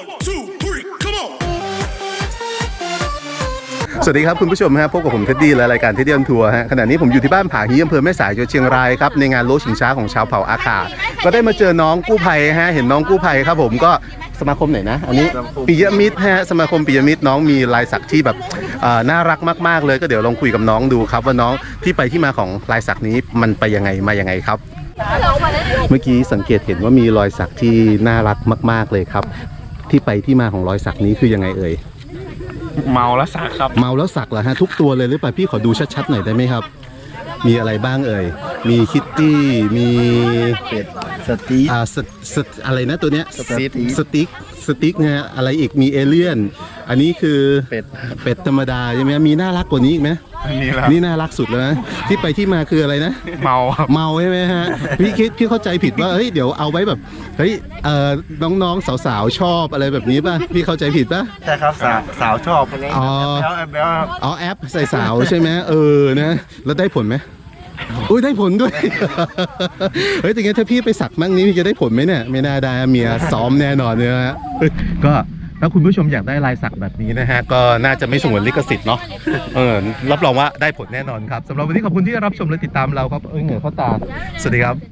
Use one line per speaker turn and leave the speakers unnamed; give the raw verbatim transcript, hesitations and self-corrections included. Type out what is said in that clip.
two, three, come on.
สวัสดีครับคุณผู้ชมฮะพบกับผมเท็ดดี้และรายการเท็ดดี้ออนทัวร์ฮะขณะนี้ผมอยู่ที่บ้านผาฮีอำเภอแม่สายจังหวัดเชียงรายครับในงานโลชิงช้าของชาวเผ่าอาขาก็ได้มาเจอน้องกู้ภัยฮะเห็นน้องกู้ภัยครับผมก็สมาคมไหนนะอันนี้ปิยมิตรฮะสมาคมปิยมิตรน้องมีลายสักที่แบบน่ารักมากๆเลยก็เดี๋ยวลองคุยกับน้องดูครับว่าน้องที่ไปที่มาของลายสักนี้มันไปยังไงมายังไงครับเมื่อกี้สังเกตเห็นว่ามีรอยสักที่น่ารักมากๆเลยครับที่ไปที่มาของรอยสักนี้คือยังไงเอ่ย
เมาแล้วสักครับ
เมาแล้วสักเหรอฮะทุกตัวเลยหรือเปล่าพี่ขอดูชัดๆหน่อยได้ไหมครับมีอะไรบ้างเอ่ยมีคิตตี้มี
เป็ดสติ๊ก
อ่าสสอะไรนะตัวเนี้ย
สติ๊ก
สติ๊กสติ๊กนะฮะอะไรอีกมีเอเลี่ยนอันนี้คือ
เป็ด
เป็ดธรรมดาใช่ไหมมีน่ารักกว่านี้อีกไหม
นี่แหละ
นี่น่ารักสุดแล้วนะที่ไปที่มาคืออะไรนะ
เมาครับ
เมาใช่ไหมฮะพี่คิดพี่เข้าใจผิดว่าเฮ้ยเดี๋ยวเอาไว้แบบเฮ้ยเอ่อน้องๆสาวๆชอบอะไรแบบนี้ป่ะพี่เข้าใจผิดป่ะ
ใช่ครับสาวสาวชอบ
อ๋ออ๋อแอปใส่สาวใช่ไหมเออนะแล้วได้ผลไหมอุ้ยได้ผลด้วยเฮ้ยแต่งั้นถ้าพี่ไปสักมั่งนี้พี่จะได้ผลไหมเนี่ยไม่น่าได้เมียซ้อมแน่นอนเลยฮะก็ถ้าคุณผู้ชมอยากได้ลายสักแบบนี้นะฮะก็น่าจะไม่สงวนลิขสิทธิ์เนาะเออรับรองว่าได้ผลแน่นอนครับสำหรับวันนี้ขอบคุณที่รับชมและติดตามเราครับเอ้ยเหงื่อเข้าตาสวัสดีครับ